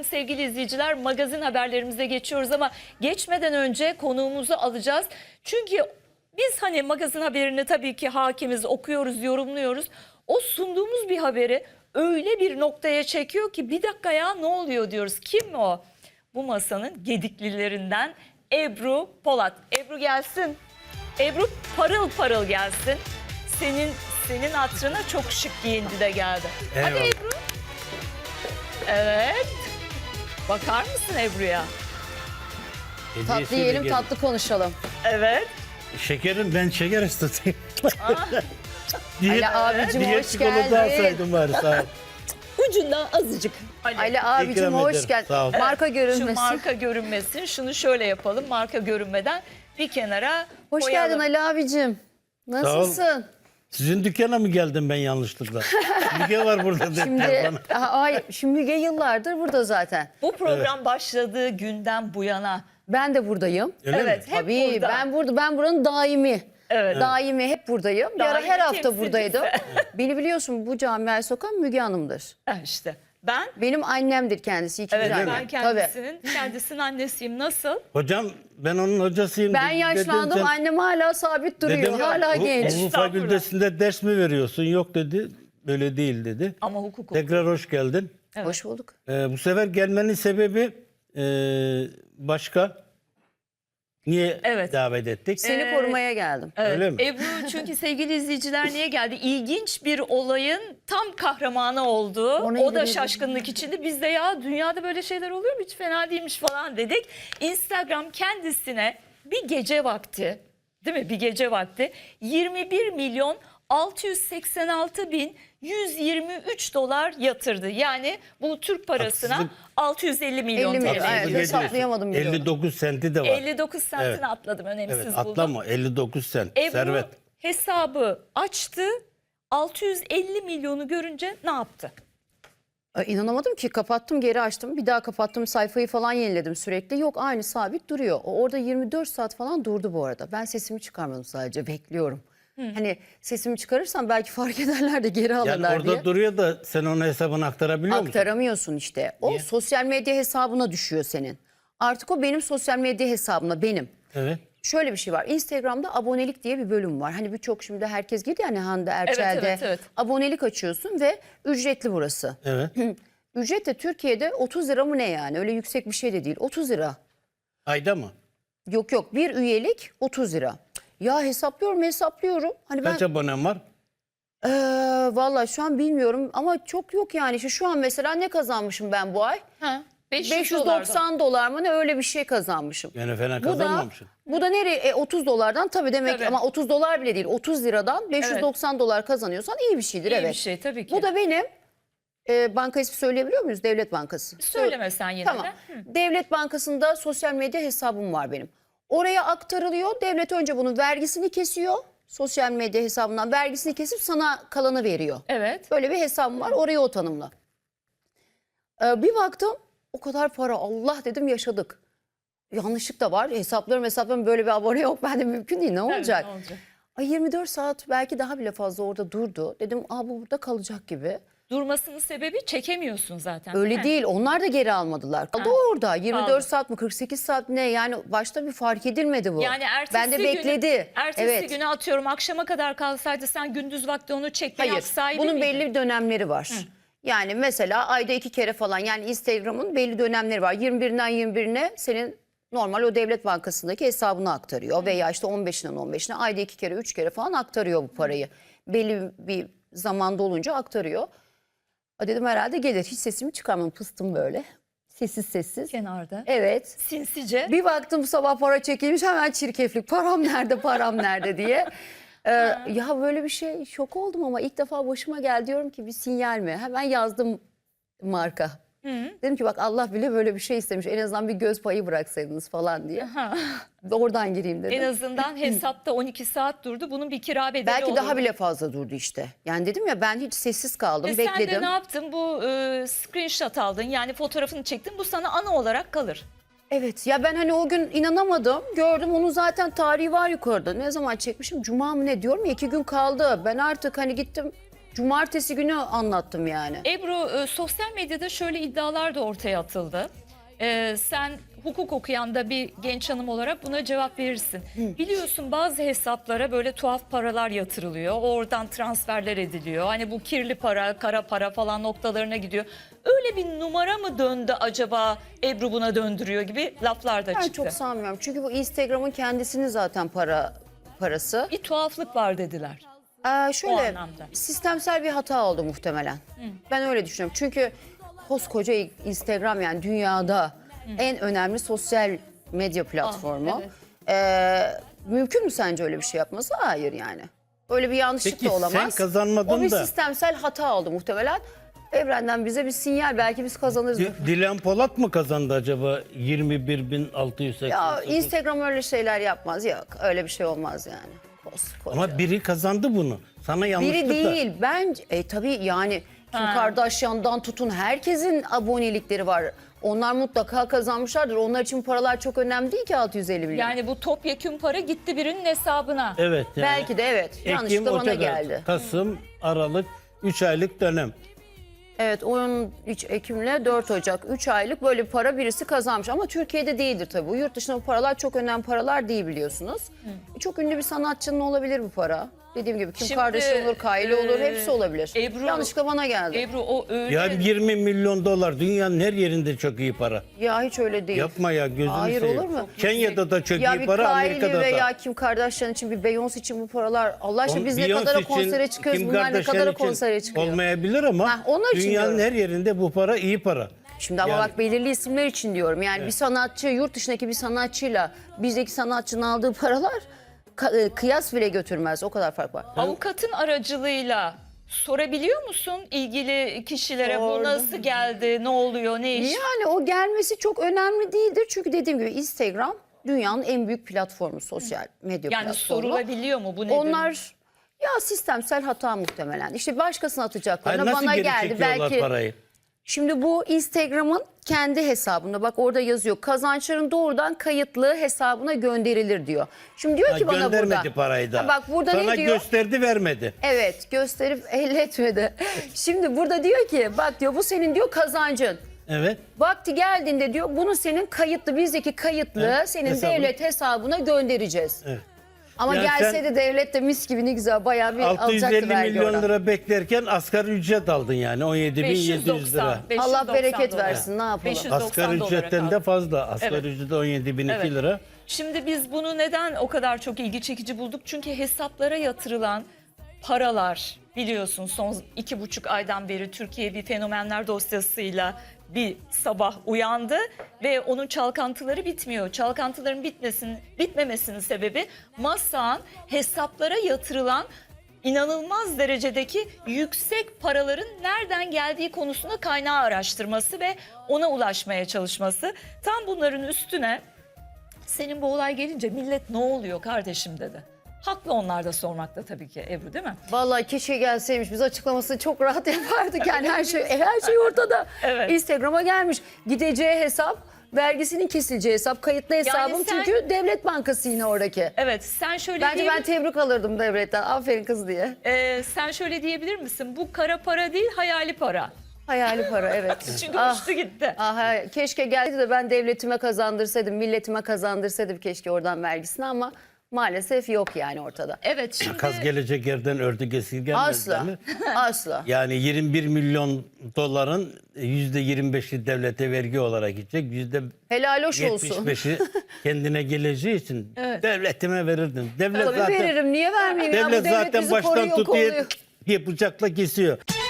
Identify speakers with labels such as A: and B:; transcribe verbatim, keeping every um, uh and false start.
A: sevgili izleyiciler, magazin haberlerimize geçiyoruz ama geçmeden önce konuğumuzu alacağız. Çünkü biz hani magazin haberini tabii ki hakimiz, okuyoruz, yorumluyoruz. O sunduğumuz bir haberi öyle bir noktaya çekiyor ki bir dakika ya ne oluyor diyoruz. Kim o? Bu masanın gediklilerinden Ebru Polat. Ebru gelsin. Ebru parıl parıl gelsin. Senin senin hatırına çok şık giyindi de geldi.
B: Eyvallah.
A: Hadi Ebru. Evet. Bakar mısın Ebru'ya?
B: Hediyesiyle
C: Tatlı yiyelim,
B: gelin.
C: tatlı konuşalım.
A: Evet.
B: Şekerim, ben şeker hastasıyım.
C: Ali abicim
B: Diğer
C: hoş
B: çikolata
C: geldin.
B: alsaydım bari, sağ ol.
A: Ucundan azıcık.
C: Ali abicim
B: İkram
C: hoş
B: ederim,
C: geldin.
B: sağ ol.
C: Marka
A: Şu
C: görünmesin.
A: marka görünmesin. Şunu şöyle yapalım. Marka görünmeden bir kenara
C: Hoş
A: koyalım.
C: geldin Ali abicim. Nasılsın?
B: Sizin dükkana mı geldim ben yanlışlıkla? Müge var burada dediler
C: Şimdi,
B: bana.
C: Aha, hayır, şimdi Müge yıllardır burada zaten.
A: Bu program başladığı günden bu yana.
C: Ben de buradayım.
B: Öyle
A: Evet,
B: mi?
A: hep
C: Tabii
A: burada.
C: ben burada, ben buranın daimi.
A: Evet.
C: Daimi hep buradayım. Bir ara
A: Daimi
C: her hafta
A: temsilcisi.
C: buradaydım. Beni biliyorsun, bu camiaya sokan Müge Hanım'dır.
A: Ha, işte ben
C: Benim annemdir kendisi. İkinci
A: evet
C: annem.
A: ben
C: Tabii.
A: kendisinin kendisinin annesiyim. Nasıl?
B: Hocam ben onun hocasıyım.
C: Ben
B: Dedim,
C: yaşlandım,
B: sen-
C: annem hala sabit duruyor.
B: dedim,
C: hala
B: "Hu-
C: genç.
B: Hukuk
A: Estağfurullah.
B: fakültesinde ders mi veriyorsun? Yok dedi. Böyle değil dedi.
A: Ama hukuk.
B: Tekrar hoş geldin.
A: Evet.
C: Hoş bulduk.
B: Ee, bu sefer gelmenin sebebi e, başka. Niye
A: Evet.
B: davet ettik?
C: Seni
A: Ee,
C: korumaya geldim.
A: Evet.
B: Öyle mi?
A: Ebru çünkü sevgili izleyiciler niye geldi? İlginç bir olayın tam kahramanı oldu.
C: Onu
A: O da
C: ilgili-
A: şaşkınlık içinde. Biz de ya dünyada böyle şeyler oluyor mu? Hiç fena değilmiş falan dedik. Instagram kendisine bir gece vakti, değil mi? Bir gece vakti yirmi bir milyon altı yüz seksen altı bin yüz yirmi üç dolar yatırdı. Yani bu Türk parasına
B: Haksızlık.
A: altı yüz elli milyon
C: elli
A: T L.
C: milyon, evet.
B: Haksızlık ediyorsun.
C: hesaplayamadım bile onu.
B: elli dokuz senti de var.
A: elli dokuz sentini
B: Evet.
A: atladım. Önemsiz
B: Evet,
A: buldum.
B: atlama elli dokuz sent.
A: Ebru
B: Servet.
A: hesabı açtı. altı yüz elli milyonu görünce ne yaptı?
C: Ay, İnanamadım ki, kapattım geri açtım, bir daha kapattım, sayfayı falan yeniledim sürekli, yok aynı sabit duruyor. O orada yirmi dört saat falan durdu bu arada. Ben sesimi çıkarmadım, sadece bekliyorum. Hani sesimi çıkarırsam belki fark ederler de geri
B: Yani
C: alırlar
B: orada
C: diye.
B: duruyor da sen onun hesabını aktarabiliyor musun?
C: Aktaramıyorsun işte. O
B: Niye?
C: sosyal medya hesabına düşüyor senin. Artık o benim sosyal medya hesabımda, benim.
B: Evet.
C: Şöyle bir şey var. Instagram'da abonelik diye bir bölüm var. Hani birçok şimdi herkes girdi yani Hande Erçel'de.
A: evet, evet.
C: Abonelik açıyorsun ve ücretli burası.
B: Evet.
C: Ücret de Türkiye'de otuz lira mı ne yani? Öyle yüksek bir şey de değil. otuz lira.
B: Ayda mı?
C: Yok yok, bir üyelik otuz lira. Ya hesaplıyorum hesaplıyorum. Hani ben
B: Kaç abonem var?
C: eee vallahi şu an bilmiyorum ama çok yok yani. İşte şu an mesela ne kazanmışım ben bu ay?
A: Ha,
C: beş yüz doksan dolar mı ne, öyle bir şey kazanmışım.
B: Yani fena
C: Bu da,
B: kazanmamışsın.
C: bu da nereye? E, otuz dolardan tabii demek
A: Tabii.
C: ama otuz dolar bile değil. otuz liradan beş yüz doksan dolar kazanıyorsan iyi bir şeydir,
A: İyi
C: evet.
A: bir şey tabii ki.
C: Bu da benim e, banka ismi söyleyebiliyor muyuz? Devlet Bankası.
A: Söyleme sen yine
C: Tamam.
A: de. Hı.
C: Devlet Bankası'nda sosyal medya hesabım var benim. Oraya aktarılıyor. Devlet önce bunun vergisini kesiyor. Sosyal medya hesabından vergisini kesip sana kalanı veriyor.
A: Evet.
C: Böyle bir hesabım var. Oraya o tanımla. Ee, bir baktım o kadar para, Allah dedim, yaşadık. Yanlışlık da var. Hesaplarım hesaplarım böyle bir abone yok. Ben de mümkün değil. Ne
A: Tabii,
C: olacak?
A: ne olacak?
C: Ay, yirmi dört saat belki daha bile fazla orada durdu. Dedim aa, bu burada kalacak gibi.
A: Durmasının sebebi çekemiyorsun zaten.
C: Öyle
A: mi?
C: değil. Onlar da geri almadılar. Kaldı
A: Ha,
C: orada. yirmi dört
A: kaldı.
C: saat mi kırk sekiz saat mi ne? Yani başta bir fark edilmedi bu.
A: Yani ertesi
C: ben de bekledi.
A: günü, ertesi
C: evet.
A: günü atıyorum akşama kadar kalsaydı sen gündüz vakti onu çektin,
C: Hayır.
A: yapsaydın
C: Bunun
A: mıydın?
C: belli dönemleri var. Yani mesela ayda iki kere falan, yani Instagram'ın belli dönemleri var. yirmi birinden yirmi birine senin normal o Devlet Bankası'ndaki hesabına aktarıyor. Veya işte on beşinden on beşine ayda iki kere üç kere falan aktarıyor bu parayı. Belli bir zamanda olunca aktarıyor. A, dedim herhalde gelir. Hiç sesimi çıkarmadım. Pıstım böyle. Sessiz sessiz.
A: Kenarda.
C: Evet.
A: Sinsice.
C: Bir baktım sabah para çekilmiş, hemen çirkeflik. Param nerede, param nerede diye. Ee, ya böyle bir şey, şok oldum ama ilk defa başıma geldi, diyorum ki bir sinyal mi? Hemen yazdım marka.
A: Hı.
C: Dedim ki bak, Allah bile böyle bir şey istemiş. En azından bir göz payı bıraksaydınız falan diye.
A: Ha.
C: Oradan gireyim dedim.
A: En azından hesapta on iki saat durdu. Bunun bir kira bedeli
C: Belki
A: olurdu.
C: daha bile fazla durdu işte. Yani dedim ya, ben hiç sessiz kaldım,
A: E sen
C: bekledim.
A: de ne yaptın? Bu e, screenshot aldın, yani fotoğrafını çektin. Bu sana anı olarak kalır.
C: Evet ya, ben hani o gün inanamadım. Gördüm, onun zaten tarihi var yukarıda. Ne zaman çekmişim? Cuma mı ne, diyorum ya, iki gün kaldı. Ben artık hani gittim Cumartesi günü anlattım yani.
A: Ebru, e, sosyal medyada şöyle iddialar da ortaya atıldı. E, sen hukuk okuyan da bir genç hanım olarak buna cevap verirsin. Biliyorsun bazı hesaplara böyle tuhaf paralar yatırılıyor. Oradan transferler ediliyor. Hani bu kirli para, kara para falan noktalarına gidiyor. Öyle bir numara mı döndü acaba, Ebru buna döndürüyor gibi laflar da
C: Ben
A: çıktı.
C: çok sanmıyorum. Çünkü bu Instagram'ın kendisinin zaten para parası.
A: Bir tuhaflık var dediler.
C: Ee,
A: O
C: şöyle
A: anlamda.
C: sistemsel bir hata oldu muhtemelen. Ben öyle düşünüyorum. Çünkü koskoca Instagram yani dünyada en önemli sosyal medya platformu.
A: evet.
C: Ee, mümkün mü sence öyle bir şey yapması? Hayır yani. Öyle bir yanlışlık
B: Peki
C: da olamaz.
B: sen kazanmadın
C: O bir
B: da.
C: sistemsel hata oldu muhtemelen. Evrenden bize bir sinyal, belki biz kazanırız.
B: Di- Dilan Polat mı kazandı acaba yirmi bir bin altı yüz seksen?
C: Ya Instagram öyle şeyler yapmaz. Yok, öyle bir şey olmaz yani. Koskoca.
B: Ama biri kazandı bunu. Sana yanlışlıkla.
C: Biri değil. Ben e, tabii yani Kim
A: Ha.
C: Kardashian'dan tutun herkesin abonelikleri var. Onlar mutlaka kazanmışlardır. Onlar için paralar çok önemli değil ki altı yüz elli milyon.
A: Yani bu topyekün para gitti birinin hesabına.
B: Evet. Yani.
C: Belki de evet.
B: Ekim,
C: Yanlışlıkla bana
B: Ocak,
C: geldi.
B: Kasım, Aralık, üç aylık dönem.
C: Evet, on üç Ekim'le dört Ocak üç aylık böyle bir para birisi kazanmış. Ama Türkiye'de değildir tabii. Bu yurt dışında bu paralar çok önemli paralar değil biliyorsunuz. Çok ünlü bir sanatçının olabilir bu para. Dediğim gibi Kim
A: Şimdi,
C: Kardashian olur, Kylie olur,
A: e,
C: hepsi olabilir.
A: Ebru-
C: Yanlışlıkla bana geldi.
A: Ebru o öyle.
B: Yani yirmi milyon dolar dünyanın her yerinde çok iyi para.
C: Ya hiç öyle değil.
B: Yapma ya gözünü
C: Hayır,
B: seveyim.
C: olur mu?
B: Kenya'da da çok
C: Ya
B: iyi
C: bir
B: para,
C: Kylie
B: Amerika'da
C: veya
B: da.
C: Kim Kardashian için, bir Beyoncé için bu paralar. Allah aşkına
B: On-
C: biz ne
B: Beyoncé
C: kadar
B: için,
C: konsere çıkıyoruz,
B: Kim
C: bunlar ne
B: Kardashian
C: kadar
B: için
C: konsere çıkıyor.
B: olmayabilir ama
C: Heh, onlar için
B: dünyanın
C: diyorum.
B: her yerinde bu para iyi para.
C: Şimdi ama
B: Yani-
C: bak belirli isimler için diyorum. Yani bir sanatçı, yurt dışındaki bir sanatçıyla bizdeki sanatçının aldığı paralar ka- e, kıyas bile götürmez. O kadar fark var.
A: Avukatın aracılığıyla sorabiliyor musun ilgili kişilere bu
C: Sordum.
A: nasıl geldi, ne oluyor, ne iş?
C: Yani o gelmesi çok önemli değildir. Çünkü dediğim gibi Instagram dünyanın en büyük platformu, sosyal medya
A: Yani
C: platformu.
A: sorulabiliyor mu bu nedir?
C: Onlar ya sistemsel hata muhtemelen. İşte başkasına
B: Hayır,
C: atacaklarına
B: nasıl
C: bana
B: geri
C: geldi.
B: çekiyorlar
C: Belki
B: parayı?
C: şimdi bu Instagram'ın kendi hesabında, bak orada yazıyor. Kazançların doğrudan kayıtlı hesabına gönderilir diyor. Şimdi diyor
B: Ha,
C: ki bana burada.
B: göndermedi parayı da.
C: Ha, bak burada
B: Sana
C: ne diyor?
B: gösterdi vermedi.
C: Evet, gösterip elletmedi. Şimdi burada diyor ki bak diyor bu senin diyor kazancın.
B: Evet.
C: Vakti geldiğinde diyor bunu senin kayıtlı, bizdeki kayıtlı
B: Evet,
C: senin
B: hesabına.
C: devlet hesabına göndereceğiz.
B: Evet.
C: Ama
B: Yani
C: gelse
B: sen-
C: de devlet de mis gibi ne güzel bayağı bir
B: altı yüz
C: alacaktı
B: elli
C: vergi
B: milyon
C: oradan.
B: lira beklerken asgari ücret aldın yani on yedi bin yedi yüz lira.
A: beş yüz
C: Allah
A: doksan
C: bereket
A: dolar.
C: versin, ne yapalım?
A: beş yüz doksan
B: Asgari
A: dolara
B: ücretten
A: kaldı.
B: de fazla. Asgari
A: Evet.
B: ücret on yedi bin
A: Evet.
B: iki lira.
A: Şimdi biz bunu neden o kadar çok ilgi çekici bulduk? Çünkü hesaplara yatırılan paralar, biliyorsun son iki buçuk aydan beri Türkiye bir fenomenler dosyasıyla bir sabah uyandı ve onun çalkantıları bitmiyor. Çalkantıların bitmesinin, bitmemesinin sebebi Massak'ın hesaplara yatırılan inanılmaz derecedeki yüksek paraların nereden geldiği konusunda kaynağı araştırması ve ona ulaşmaya çalışması. Tam bunların üstüne senin bu olay gelince millet ne oluyor kardeşim dedi. Haklı onlar da sormakta tabii ki Ebru, değil mi?
C: Vallahi keşke gelseymiş, biz açıklamasını çok rahat yapardık. Yani her şey her şey ortada.
A: Evet.
C: Instagram'a gelmiş. Gideceği hesap, vergisinin kesileceği hesap, kayıtlı hesabım
A: sen-
C: çünkü devlet bankası yine oradaki.
A: Evet, sen şöyle
C: Bence
A: diyebilir,
C: ben tebrik alırdım devletten. Aferin kız diye.
A: Ee, sen şöyle diyebilir misin? Bu kara para değil, hayali para.
C: Hayali para, evet.
A: Çünkü
C: Ah.
A: uçtu gitti.
C: Ah, hayır. Keşke geldi de ben devletime kazandırsaydım, milletime kazandırsaydım keşke oradan vergisini, ama maalesef yok yani ortada.
A: Evet, şimdi
B: Kaz gelecek yerden ördü esirgenmez.
C: Asla.
B: değil mi?
C: Asla.
B: Yani yirmi bir milyon doların yüzde yirmi beşi devlete vergi olarak gidecek. Yüzde
C: Helal hoş
B: yetmiş
C: olsun.
B: beşi kendine geleceği için devletime verirdim. Devlet
C: Tabii
B: zaten,
C: veririm. Niye vermeyeyim ya? Bu
B: devlet
C: devlet
B: zaten
C: bizi
B: baştan
C: koruyor,
B: tutuyor
C: kolluyor.
B: diye bıçakla kesiyor.